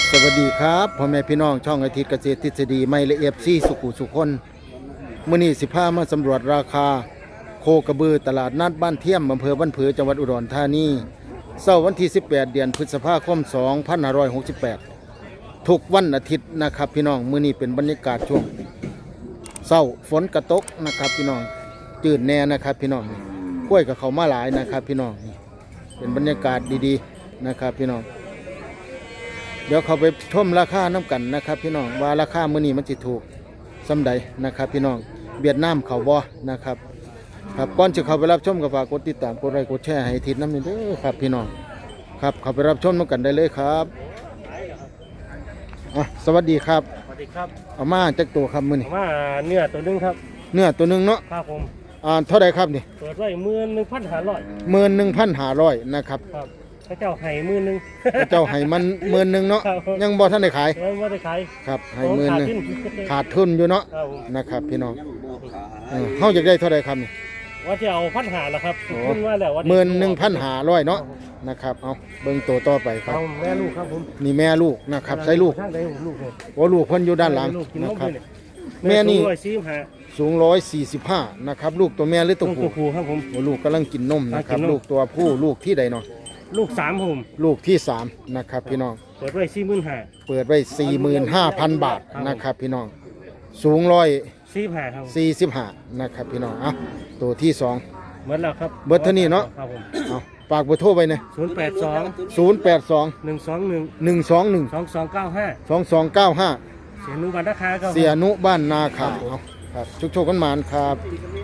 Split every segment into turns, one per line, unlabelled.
สวัสดีครับพ่อแม่พี่น้องช่องอาทิตย์เกษตรทฤษฎีไม่ละเอียดซี่สุขุสุคนมื้อนี้สิพามาสำรวจราคาโคกระบือตลาดนัดบ้านเทียมอำเภอบ้านผือจังหวัดอุดรธานีเช้าวันที่18เดือนพฤษภาคม2568ทุกวันอาทิตย์นะครับพี่น้องมื้อนี้เป็นบรรยากาศช่วงเช้าฝนกระตกนะครับพี่น้องจืดแน่นะครับพี่น้องกล้วยกับเขามาหลายนะครับพี่น้องเป็นบรรยากาศดีๆนะครับพี่น้องเดี๋ยวเขาไปชมราคาน้ำกันนะครับพี่น้องว่าราคามื้อนี้มันสิถูกสำใดนะครับพี่น้องเวียดนามเขาบ่นะครับครับก่อนจะเข้าไปรับชมก็ฝากกดติดตามกดไลค์กดแชร์ให้ทิศน้ำนี่เด้อครับพี่น้องครับเข้าไปรับชมน้ำกันได้เลยครับสวัสดีครับ
สวัสดีครับ
เอามาจากตัวครับมื้อนี้
มาเนื้อตัวนึงครับ
เนื้อตัวนึงเนาะ
ครับผม
เท่าไหร่ครับนี่
เปิดไว้11,500
11,500นะครับ
ครับพระเจ้าให้11,000
พระเจ้าให้มัน11,000เนาะยังบ่ทันได้ขาย
ยังบ่ได้ขาย
ครับให้11,000ขาดทุนอยู่เนาะนะครับพี่น้องเฮาอยากได้เท่าไหร่ครับนี่
ว่าจะเอา1,500ล่ะครับขึ้นว่าแล้วว่า
11,500เนาะนะครับเอาเบิ่งตัวต่อไปครับ
แม่ลูกครับผม
นี่แม่ลูกนะครับใส่ลูก
ทางใดลูก
โอ้ลูกเพิ่นอยู่ด้านหลังนะครับแม่นี่สูง145นะครับลูกตัวแม่หรือตัวผู้
ครับผม
ลูกกำลังกินนมนะครับลูกตัวผู้ลูกที่ใดเนาะ
ลูก3ผม
ลูกที่3นะครับพี่น้อง
เปิดไว้45,000
เปิดไว้ 45,000 บาทนะครับพี่น้องสูง
145ครับ
45นะครับพี่น้องตัวที่2
เบิดแล้วครับ
เบิดเท่านี้เนาะ
ครับผม
ฝากเบอร์โทรไปนะ
082 121 2295 เสียนุบ้านนาคาครับ
เสียนุบ้านนาคาครับชุกโชคกันหมานครับ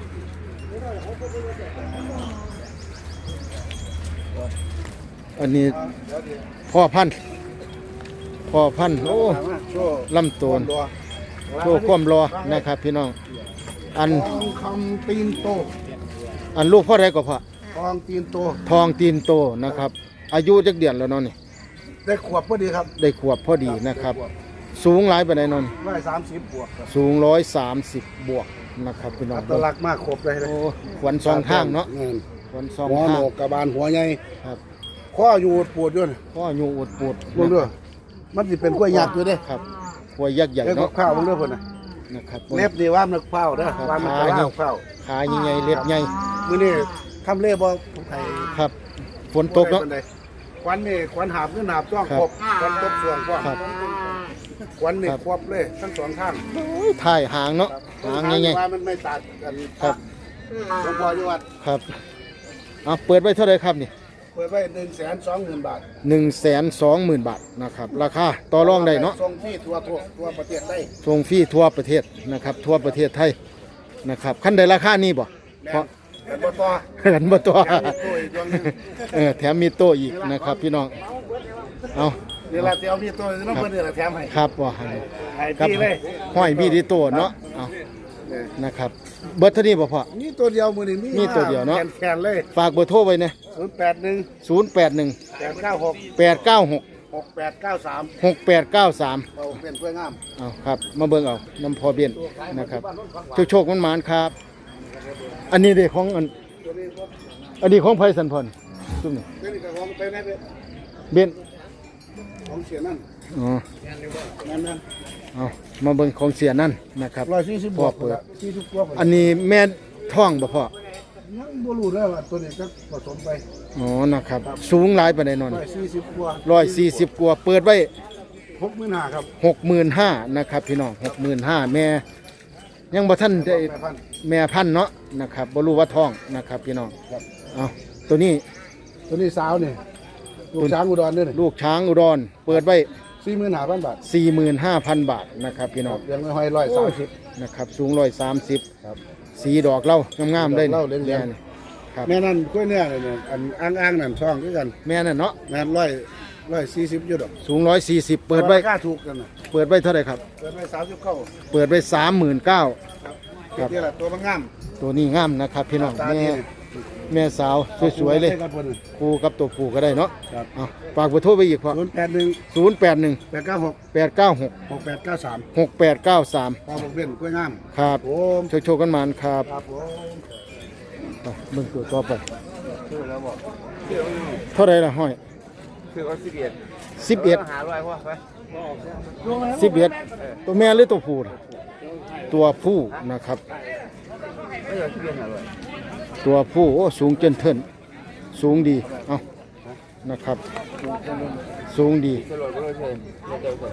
อันนี้พ่อพันธุ์โอ้ลำตัวโชว์ความรอนะครับพี่น้องอัน
คำตีนโต
อันลูกพ่อใดก็พ่อ
ทองตีนโต
นะครับอายุจักเดือนแล้วเนาะนี่
ได้ขวบพอดีครับ
ได้ขวบพอดีนะครับสูงหลายปานใดนอน
130 บวกครับ
สูง130 บวกนะครับพี่น้อง
ตลักมากครบเลย
โอ้ขวัญสองข้างเนาะขวัญสองข้าง
หัวโหนกกระบาลหัวใหญ่
ครับ
ข้ออยู่ปวดด้วย
ข้ออยู่ปวด
ด้วยมันสิเป็นกล้วยยักษ์อยู่เด้
ครับกล้วยยักษ์ใหญ่เนาะ
ข้าวมันเด้อพุ่น
นะครับ
เล็บนี่ว่ามันข้าวเด้อว่ามันข้าว
ขาใหญ่ๆเล็บใหญ่
มื้อนี้ทำเล็บบ่ไผ
ครับฝนตกเนาะ
ควันนี่ควันหาบขึ้นหาบจ้องครบควันตกส่วงพ่อควันนี่ครบเลยทั้งสองข้าง
ถ่ายหางเนาะหางใหญ่
ๆว่ามันไม่ตัดกัน
ครับ
หลวงพ่ออยู่วัด
ครับเปิดไว้เท่าไหร่ครับนี่
เปิดไว้120,000 บาท
120,000 บาทนะครับราคาต่อรองได้เนาะ
ส่งฟรีทั่วประเทศได้
ส่งฟรีทั่วประเทศนะครับทั่วประเทศไทยนะครับคันใดราคานี้บ่เพราะเห็นบ่ตัวแถมมีโต้อีกนะครับพี่น้องเอา
เดี๋ยวเราจะเอามีโต้น้องเพิ่นเดี๋ยวเราแถมให้
ครับว่า
ครับ
ห้อยมีที่โต้เนาะเอานะครับเบอร์เท่านี้บ่พ่อ
นี่ตัวเดียวมื้อนี้
มีตัวเดียวเนาะ
แขนเลย
ฝากเบอร์โทรไว้นะ
081 896 6893เอาเป็นกล้วยงาม
เอาครับมาเบิ่งเอาน้ำพอเบี้ยนนะครับโชคมันหมานครับอันนี้เด็กของอันนี้ของไพสันพรซุ่มนี่เบี้ยน
ของเสียนั่น
อ๋อเอามาเบิ่งของเสียนั่นนะครับ
140 บวกเปิด
อันนี้แม่ท้องบ่พ่อ
ยังบ่รู้เด้อว่าตัวนี้จะผสมไป
อ๋อนะครับสูงหลายปานใดนอน
140 กว่า
140 กว่าเปิดไว้
65,000ครับ
65,000นะครับพี่น้อง65,000แม่ยังบ่ทันได้แม่พันธุ์เนาะนะครับบ่รู้ว่าท้องนะครับพี่น้องเอาตัวนี้
สาวนี่ลูกช้างอุดรนี่
ลูกช้างอุดรเปิดไว้
45,000 บาท
45,000 บาทนะครับพี่น้อง
เลี้ยงไว้130
นะครับสูง130ครับสีดอกเล่างามๆได้
นี่ครับแม่นั่นกล้วยเนี่ยอันอ้างๆนั่นช่องด้วยกัน
แม่นั่นเนาะ
แม่140อยู่ดอก
สูง140เปิดไว้
ค่าถูกกัน
เปิดไว้เท่าไหร่ครับ
เปิดไว้39
เปิดไว้39,000
ครับนี่แหละตัวมันงาม
ตัวนี้งามนะครับพี่น้องแม่สาวสวยๆเลยคู่กับตัวผู้ก็ได้เนาะฝากเบอร์โทรไปอีกพอ081 896 6893พอ
บอกเล่นกล้วยงาม
ครับโชคกันมานครับเบิ่งตัวต่อไปเท่าไรล่ะห้อย
คือเขา11
11
หาร้อยพ่อไป
11ตัวแม่หรือตัวผู้น่ะตัวผู้นะครับ
ไม่เหลือ11หาร้อย
ตัวผู้โอ้สูงเจนเทินสูงดีเอานะครับ สูงดี
ตลอดก็เลยเชิญเร็ว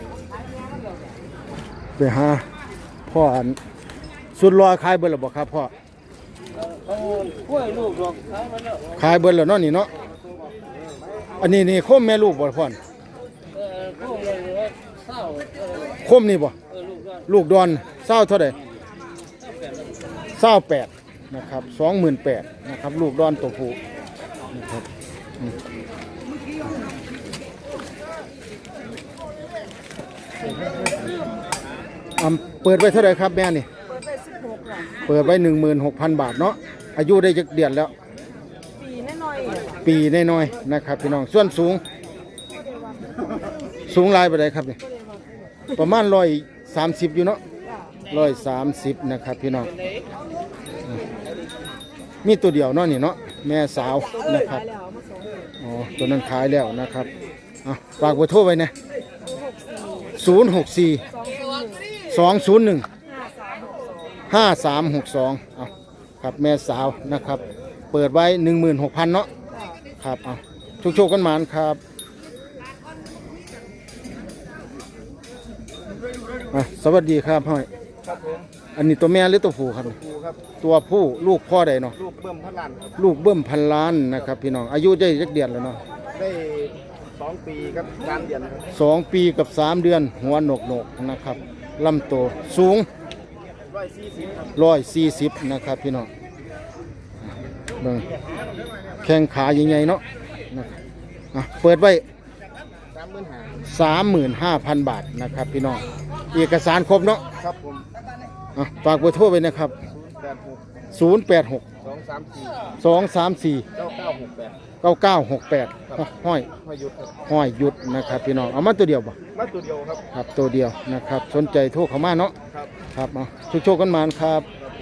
ๆ
ไปหาพ่ออันสุดรอขายเบิดแล้วบ่ครับพ่อ
กล้วยลูกดอกขายมาแล้ว
ขายเบิดแล้วเนาะนี่เนาะอันนี้นี่โคมแม่ลูกบ่พ่อน
พวกเลยว่าเศร้า
โคมนี่บ่
ลูกก็
ลูกดอนเศร้าเท่าใด28นะครับ28,000นะครับลูกดอนตัวผู้นะครับเปิดไว้เท่าไหร่ครับแม่นี่
เปิดไป16ค่ะ
เปิดไว้ 16,000 บาทเนาะอายุได้จักเดือนแล้ว
ปีน้อยๆ
ปีน้อยๆนะครับพี่น้องส่วนสูงหลายปานใดครับนี่ประมาณ130อยู่เนาะ130นะครับพี่น้องมีตัวเดียวเนาะนี่เนาะแม่สาวนะครับ
แล้วมาส่ง
อ๋อตัวนั้นขายแล้วนะครับอ่ะฝากเบอร์โทรไว้นะ064 201 5362เอาครับแม่สาวนะครับ เปิดไว้ 16,000 เนาะครับเอาโชคๆกันหมานครับอ่ะสวัสดีครับพ่อย
ครับผม
อันนี้ตัวแม่หรือตัวผู้ครับ
ครูครับ
ตัวผู้ลูกพ่อใดเนาะ
ลูกเบิ่มพันล้านครับ
ลูกเบิ่มพันล้านนะครับพี่น้องอายุได้จักเดือนแล้วเนาะ
ได้2 ปีครับ3 เดือนครับ
2 ปีกับ 3 เดือนหัวหนกๆนะครับลำโตวสูง
140ครับ
140นะครับพี่น้องเบิ่งแข้งขาใหญ่ๆเนาะนะครับอ่ะเปิดไว้ 35,000 บาทนะครับพี่น้องเอกสารครบเนาะ
ครับผม
อ่ะฝากเบอร์โทรไว้นะครับ
86
086
234
234
9968
9968ห้อย
พยุทธครับ
ห้อยหยุดนะครับพี่น้องเอามาตัวเดียวบ่
มาตัวเดียวครับ
ครับตัวเดียวนะครับสนใจโทรเข้ามาเนาะ
ครับ
ครับเอาโชคๆกันมาครับ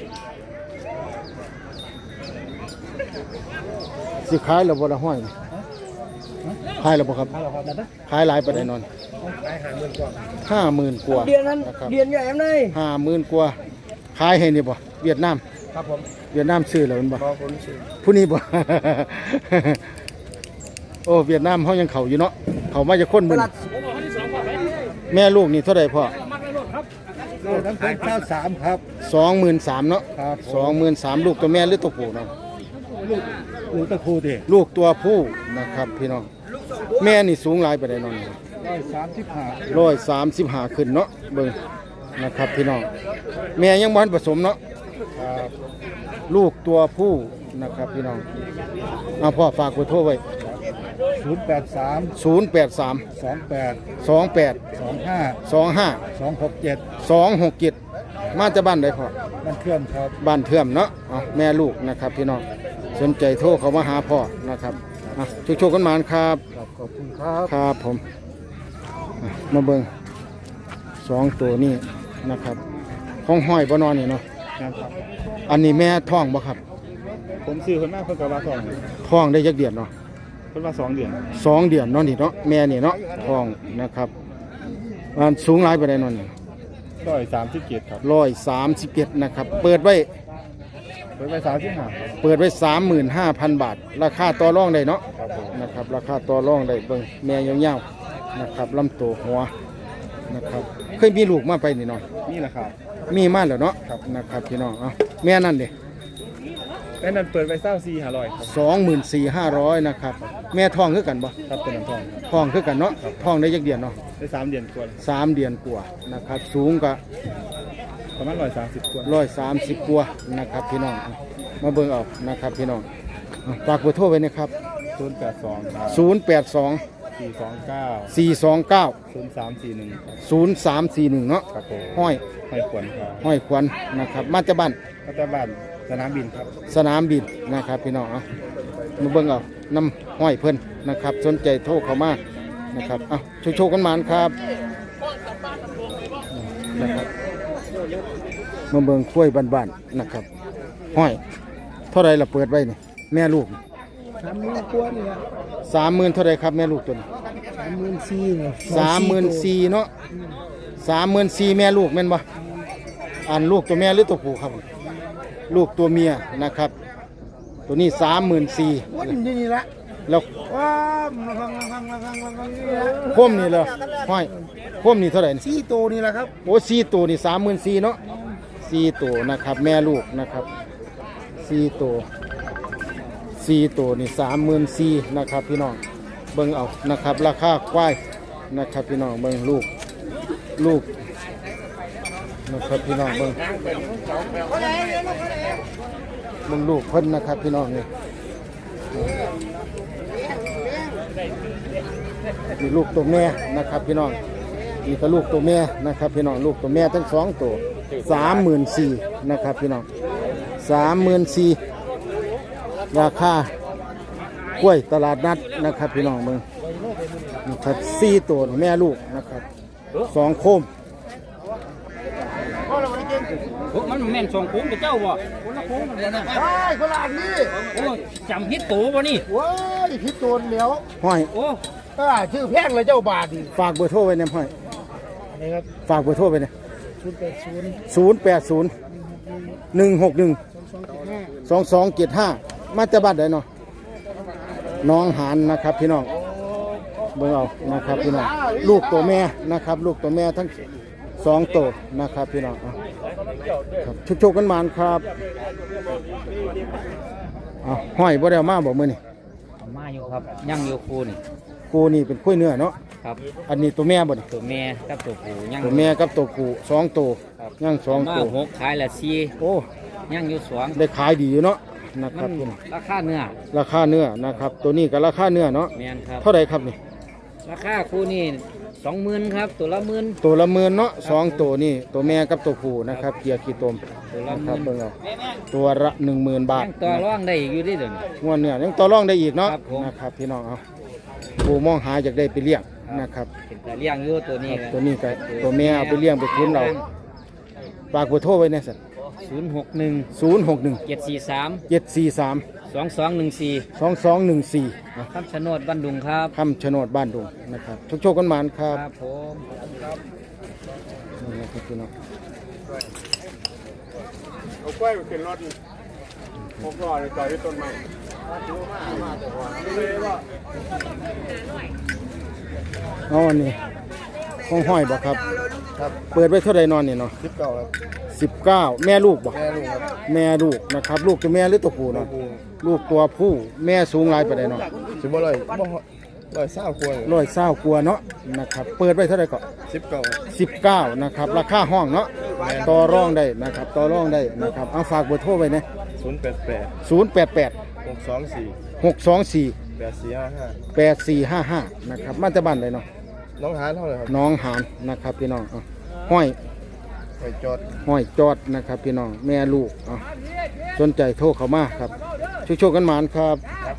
สิขายแล้วบ่ละห้อยนี่ขายแล้วบ่ครับขายหลายปานใดนอน
ขาย50,000กว่า
50,000 กว่า
เดือนนั้น
นะครับ
เดือนใหญ่ไหม
50,000 กว่าขายให้นี่บ่เวียดนาม
ครับผม
เวียดนามซื้อแล้วแม่นบ่
พอผมซื้อ
ผู้นี้บ่ โอ้เวียดนามเฮายังเข้าอยู่เนาะเข้ามาจะคนมื้อนี้แม่ลูกนี่เท่าใดพ่อ
ลูกนั้นเป็น93ครับ
23,000เนาะ
ครับ
23,000ลูกตัวแม่หรือตัวผู้เนาะ
ลูกตะคูดิ
ลูกตัวผู้นะครับพี่น้องแม่นี่สูงหลายไปได้นอน135ขึ้นเนาะเบิ่งนะครับพี่น้องแม่ยังบ่ทันผสมเนาะ
ครับ
ลูกตัวผู้นะครับพี่น้องเอาพ่อฝากเบอร์โทรไว้
083
083
28
28
25
25
267
267มาจากบ้านใดพ่อ
มันเคลื่อนครับ
บ้านเทื่อมเนาะเอาแม่ลูกนะครับพี่น้องสนใจโทรเขามาหาพ่อนะครับอ่ะโชคๆกันหมานครับ
ขอบคุณครับ
ครับผมอ่ะมาเบิ่ง2ตัวนี้นะครับของห้อยบ่นอนนี่เนาะ
นะครับ
อันนี้แม่ท้องบ่ครับ
ผมซื้อคนมากเพิ่นก็ว่า2
ท้องได้จักเดือนเนาะ
เพิ่นว่า2 เดือน
2 เดือนเนาะนี่เนาะแม่นี่เนาะท้องนะครับอันสูงหลายปานใดเนาะนี่
137ครับ
137นะครับเปิดไว้
เพิ่นไป35
เปิดไว้ 35,000 บาท ราคาต่อรองได้เนาะ
ครับผม
นะครับราคาต่อรองได้เบิ่งแม่ยาวๆนะครับลำตัวหัวนะครับเคยมีลูกมาไปนี่เนาะ
นี่แหละครับ
มีมาแล้วเนาะ
ครับ
นะครับพี่น้องเอาแม่นั่นเด้
แล้วนั้นเปิดไป24,500ครับ
24,500นะครับแม่ท้องคือกันบ่
ครับเป็นน้ำทองครับ
ท้องคือกันเนาะท้องได้จักเดือนเนาะ
ได้3 เดือนกว่า
3 เดือนกว่านะครับสูงก็
ประมาณ130กว่า
130กว่านะครับพี่น้องเอามาเบิ่งเอานะครับพี่น้องเอาฝากเบอร์โทรไว้นะครับ
082ครับ
082
429
429
0341
0341เนาะ
ครับผม
ห้อย
ให้ควรครับ
ห้อยควันนะครับมาจากบ้าน
พัฒบ้านสนามบินครับ
สนามบินนะครับพี่น้องเอามาเบิ่งเอาน้ำห้อยเพิ่นนะครับสนใจโทรเข้ามานะครับเอาโชคๆกันหมานครับนะครับมาเบิ่งกล้วยบ้านๆนะครับห้อยเท่าไรเราเปิดไว้นี่แม่ลูก
30,000กว่านี่ล่ะ
30,000เท่าไรครับแม่ลูกตัวนี้
34,000เนี่ย
34,000เนาะ34,000แม่ลูกแม่นบ่อันลูกตัวแม่หรือตัวผู้ครับลูกตัวเมียนะครับตัวนี้34,000
วันนี้ละ
แล้ว
ว้าวนี่ละ
โคมนี่เหรอห้อยโคมนี่เท่าไหร่นี่
4ตัวนี่ล่ะครับ
โอ้4ตัวนี่34,000เนาะ4ตัวนะครับแม่ลูกนะครับ4ตัวนี่34,000นะครับพี่น้องเบิ่งเอานะครับราคาควายนะครับพี่น้องเบิ่งลูกนะครับพี่น้องเบิ่งลูกเพิ่นนะครับพี่น้องนี่นี่ลูกตัวแม่นะครับพี่น้องนี่ก็ลูกตัวแม่นะครับพี่น้องลูกตัวแม่ทั้งสองตัว34,000นะครับพี่น้อง34,000ราคากล้วยตลาดนัดนะครับพี่น้องเบิ่งนะครับ4ตัวแม่ลูกนะครับ2โคม
มันแม่นสองโค้งกับเจ้าบ่
ใช่คนละอันนี้
โอ้จำพิษตัวบ่นี่
ว้ายพิษตัวเหลียว
ห้อย
โอ้
ชื่อแพงเลยเจ้าบาทนี่
ฝากเบอร์โทรไว้เนี่ยห้อย
นี่ครับ
ฝากเบอร์โทรไว้เนี่ย
080
080 161 2275มาจากบ้านใดเนาะน้องหานนะครับพี่น้องเบิ่งเอานะครับพี่น้องลูกตัวแม่นะครับลูกตัวแม่ทั้ง2ตัวนะครับพี่น้องเอาครับชุกๆกันมานครับเอาห้อยบ่ได้เอามาบ่มื้อนี่
มาอยู่ครับยังอยู่คูนี่
กูนี่เป็นคุ้ยเนื้อเนาะ
ครับ
อันนี้ตัวแม่บ่นี่
ตัวแม่กับตัวผู้ยัง
ตัวแม่กับตัวกู2ตัวยัง2
มา
ตัว
หกขายละสี่
โอ้
ยังอยู่สอง
ได้ขายดีอยู่เนาะนะค
มั
รับ
น
พี่น้อง
ราคาเนื้อ
ราคาเนื้อนะครับตัวนี้ก็ราคาเนื้อเนาะ
แม่นครับ
เท่าไหร่ครับนี่
ราคาคู่นี่20,000ครับตัวละหมื่น
ตัวละ10,000เนาะสองตัวนี่ตัวแม่กับตัวผู้นะครับเกียร์ขี้ตม
ตัวละ
นะ
ห
ครับ
มื่น
เบิ่งเอาตัวละ10,000 บาท
ยังต่อรองได้อีกอยู่เดิเดี๋ยวนี้
งวดเนื้อยังต่อรองได้อีกเนาะ
ครับผม
นะครับพี่น้องเอาผู้มองหาอยากได้ไปเลี้ยงนะครับ
เป็นตาเลี้ยงอยู่ตัวนี้
ตัวนี้ก็ตัวแม่เอาไปเลี้ยงไปคุ้นเราฝากเบอร์โทรไว้เนี่ยสัตว์
061
061
743
743
2214
2214
คำชะโนดบ้านดุงครับ
คำชะโนดบ้านดุงนะครับโชคๆกันหมานครับ
ครับผม
นี่นะครับพี่น้อง
เอากล้วยไปขึ้นรถผมก็เลยจอดที่ต้นไม้
เอาอันนี้ห้องห้อยบ่ครับ
ครับ
เปิดไว้เท่าใดนอนนี่เนาะ
19ครับ
19แม่ลูกบ่
แม่ลูกครับ
แม่ลูกนะครับลูกตัวแม่หรือตัวผู้เนาะลูกตัวผู้แม่สูงหลายปานใดเนาะ
สิบ่เลยบ่เศร้าควร
120กว่าเนาะนะครับเปิดไว้เท่าใดก็
19
19นะครับราคาห้องเนาะต่อรองได้นะครับต่อรองได้นะครับเอาฝากเบอร์โทรไว้นะ
088
088
624
624
8455
8455นะครับมาจากบ้านใดเนาะ
น้องหานเท่าไหร่ครับ
น้องหานนะครับพี่น้องเอาห้อย
ไปจอด
ห้อยจอดนะครับพี่น้องแม่ลูกเอาสนใจโทรเข้ามาครับช่วยๆกันหมานครับ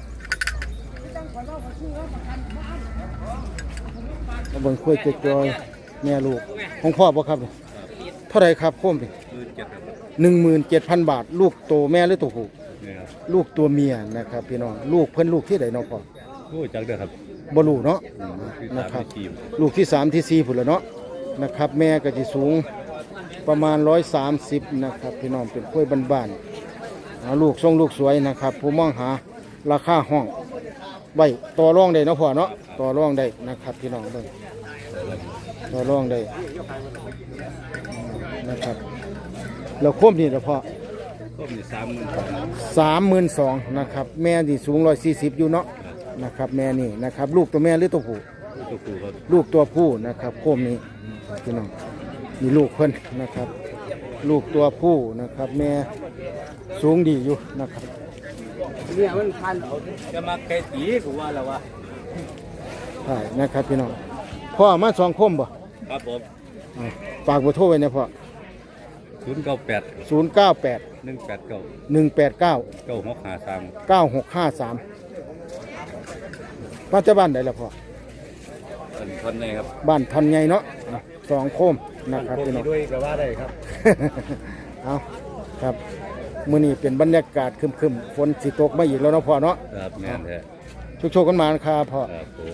เอาเบิ่งคุยจอยๆแม่ลูกของพ่อบ่ครับเท่าไหรครับโค้มดิ17,000 บาท ลูกโตแม่หรือตัวผู้ลูกตัวเมียนะครับพี่น้องลูกเพิ่นลูกที่ไหนน้องพ่อ
รู้จักเด้อครับ
บ่รู้เนาะนะครับลูกที่3ที่4พุ่นแล้วเนาะนะครับแม่ก็สิสูงประมาณ130นะครับพี่น้องเป็นกล้วยบ้านๆเอาลูกทรงลูกสวยนะครับผู้มองหาราคาห้องไว้ต่อรองได้เนาะพ่อเนาะต่อรองได้นะครับพี่น้องเบิ่งต่อรองได้นะครับแล้วโคมนี่ละพ่อ
ก็มี30,000
32,000นะครับแม่ที่สูง140อยู่เนาะนะครับแม่นี่นะครับลูกตัวแม่หรือตัวผู้
ตัวผู้ครับ
ลูกตัวผู้นะครับโคมนี้พี่น้องมีลูกเพิ่นนะครับ ลูกตัวผู้นะครับแม่สูงดีอยู่นะครับ
เนี่ยมันพัน
จะมาไก่ตีกูว่าแล้ววะ
ใช่นะครับพี่น้องพ่อมา2คมบ่
ครับผม
อ่าฝากเบอร์โทรไว้นะพ่อ
098
098
189
189
9653
9653ปัจจุบันใดล่ะพ่อ
เป็นคนไหนครับ
บ้านทันใหญ่เนาะ2โคมนะครับพี่น้อง
ด้วยก็ว่าได้ครับ
เอาครับมื้อนี้เป็นบรรยากาศครึมๆฝนสิตกมาอีกแล้วเนาะพ่อเนาะ
ครับแม่นแท้
โชคๆกันมาครับพ่อ
ครับผม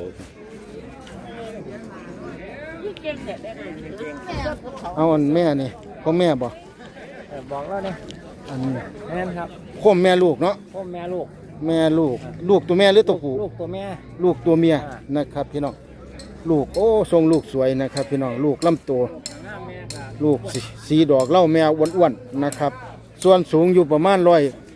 เอาอันแม่นี่พ่อแม่บ่
บอกแล้วเนี่ย
อันนี้
แม่นครับ
โคมแม่ลูกเนาะ
พ่อแม่ลูก
แม่ลูก ลูกตัวแม่หรือตัวผู้
ลูกตัวแม่
ลูกตัวเมียนะครับพี่น้องลูกโอ้ทรงลูกสวยนะครับพี่น้องลูกลำตัวลูกสีดอกเหล่าแมวอ้วนๆนะครับ ส่วนสูงอยู่ประมาณ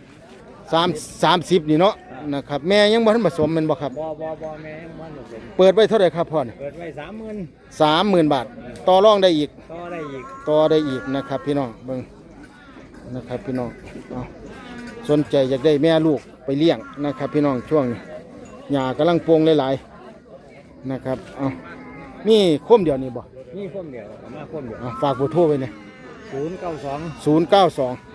130นี่เนาะนะครับแม่ยังบ่ทันผสมแม่นบ่ครับ
บแม่มันผสม
เปิดไว้เท่าไหร่ครับพ่อนี่
เปิดไว้30,000
30,000 บาทต่อรองได้อีก
ต่อได้อีก
ต่อได้อีกนะครับพี่น้องเบิ่งนะครับพี่น้องเอาสนใจอยากได้แม่ลูกไปเลี้ยงนะครับพี่น้องช่วงนี้หญ้ากำลังโปร่งหลายๆนะครับเอามีคมเดียวนี่บ่
นี่คนเดียวประมาณคนเดียว
เอาฝากเบอร์โทรไว้เนี่ย
092
092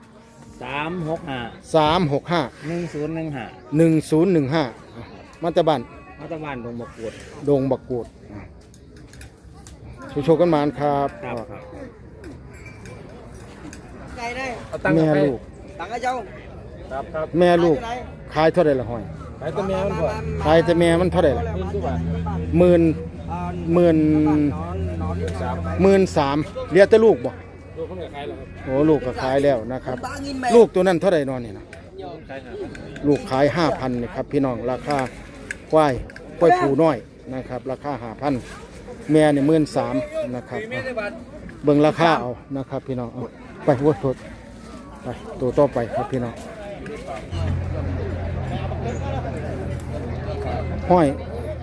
365
365
1015
1015มาจากบ้าน
มาตะวันลงมากวด
ดงบักกูดโชว์กันมานครับ
ครับ
ไก่ได้
แม่ลูก
ตังกระเจ้า
ครับ
แม่ลูกขายเท่าไหร่ละห้อย
ไปตัวแม่มันบ่
ขายแต่แม่มันเท่าไหร่ละ
นี่ทุกบาท
หมื่นหมื่น
นอน
13,000เหลือแต่ลูกบ่
ลูกเขาไม่ขายหรอกครับ
โอ้ลูกก็ขายแล้วนะครับ
บ้างินแม่
ลูกตัวนั้นเท่าไหร่นอนนี่นะ
ขายหา
ลูกขาย 5,000นี่ครับพี่น้องราคาควายผูน้อยนะครับ ราคา 5,000แม่นี่13,000นะครับเบิ่งราคาเอานะครับพี่น้องเอาไปโว้ยโทษไปตัวต่อไปครับพี่น้องห้อย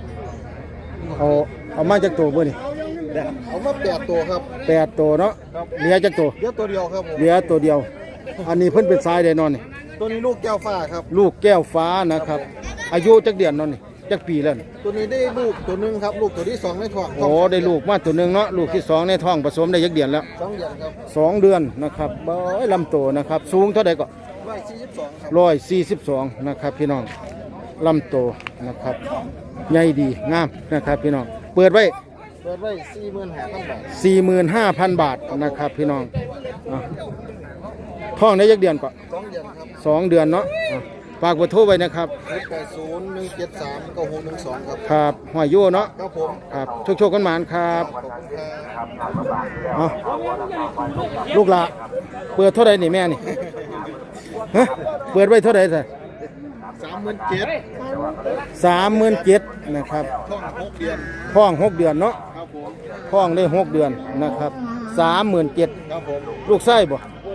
เอามาจากตัวบ่นี่
เอามา8ตัวครับ
8ตัวเนาะเหลือจากตัว
เดี๋ยวตัวเดียวครับผม
เหลือตัวเดียว อันนี้เพิ่นเป็นสายได้นอนนี่
ตัวนี้ลูกแก้วฟ้าครับ
ลูกแก้วฟ้านะครับ อายุจักเดือนนอนนี่จักปีแล้วนี่
ตัวนี้ได้ลูกตัวหนึงครับ ลูกตัวที่สองในท้อง
โอ้ได้ลูกมาตัวหนึงเนาะลูกที่สองในท้องผสมได้จักเดือนแล้ว
2 เดือนครับ
2 เดือนนะครับเบ้ยลำโตนะครับสูงเท่าใดก็
142ครับ
142นะครับพี่น้องลำโตนะครับใหญ่ดีงามนะครับพี่น้องเปิดไว้
เปิดไว้45,000 บาท
45,000 บาทนะครับพี่น้องอ่ะท้องได้จักเดือนก็
2 เดือนครับ
2 เดือนเนาะอ่ะฝากเบอร์โทรไว้นะครับ
0801739612ครับ
ครับหอยโย่เนาะ
ครับผม
ครับโชคๆกันหมานครับ
ขอบคุณครับ
เอาลูกละเปิดเท่าไรนี่แม่นี่ฮะเปิดไว้เท่าไรสิ
37,000
37,000นะครับ
ท้อง6 เดือน
ท้อง6 เดือนเนาะ
ครับผม
ท้องได้6 เดือนนะครับ37,000
ครับผม
ลูกไส้บ่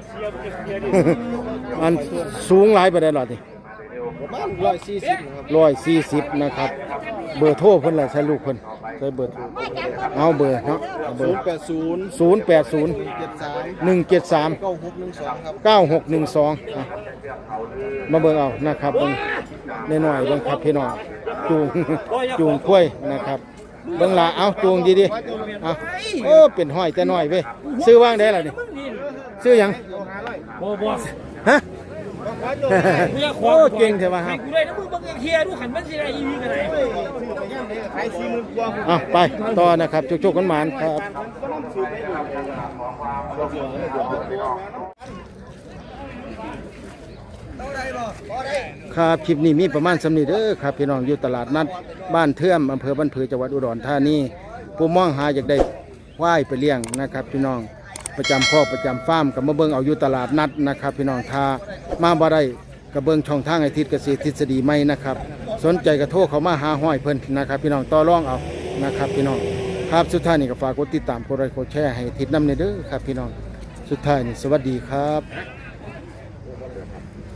อันสูงหลายไปได้หรอนี่
ประมาณ140ครับ
140นะครับเบอร์โทรเพิ่นล่ะใช้ลูกเพิ่นใช้เบอร์โทรเอาเบอร์เนาะเอาเบอร์
080
080
173
173
9612ครับ
9612อ่ะมาเบิ่งเอานะครับเบิ่งน้อยๆเบิ่งครับพี่น้องจูงข้วยนะครับเบิ่งละเอาจูงดีๆเอาโอ้เป็นห้อยแต่น้อยเว้ยซื้อว่างได้ล่ะนี่ซื้อหยัง
บ่
ฮะโอ้เก่งใช่ป่ะครับ
กูได้นะมึงบังเคียดูขันมันสิได้อีวีกันไหน
เอาไปต่อนะครับจุกๆกันหมานครับครับคลิปนี้มีประมาณสำนีเด้อครับพี่น้องอยู่ตลาดนัดบ้านเทื่อมอำเภอบ้านผือจังหวัดอุดรธานีผู้มองหาอยากได้ควายไปเลี้ยงนะครับพี่น้องประจำคอกประจำฟาร์มกับมาเบิ่งเอาอยู่ตลาดนัดนะครับพี่น้องทามาบ่ได้กับเบิ่งช่องทางไอทิศเกษตรทฤษฎีใหม่นะครับสนใจกระโทรเขามาหาห้อยเพิ่นนะครับพี่น้องต่อรองเอานะครับพี่น้องครับสุดท้ายนี่ก็ฝากกดติดตามกดไลค์กดแชร์ให้ทิศนำเด้อครับพี่น้องสุดท้ายนี่สวัสดีครับ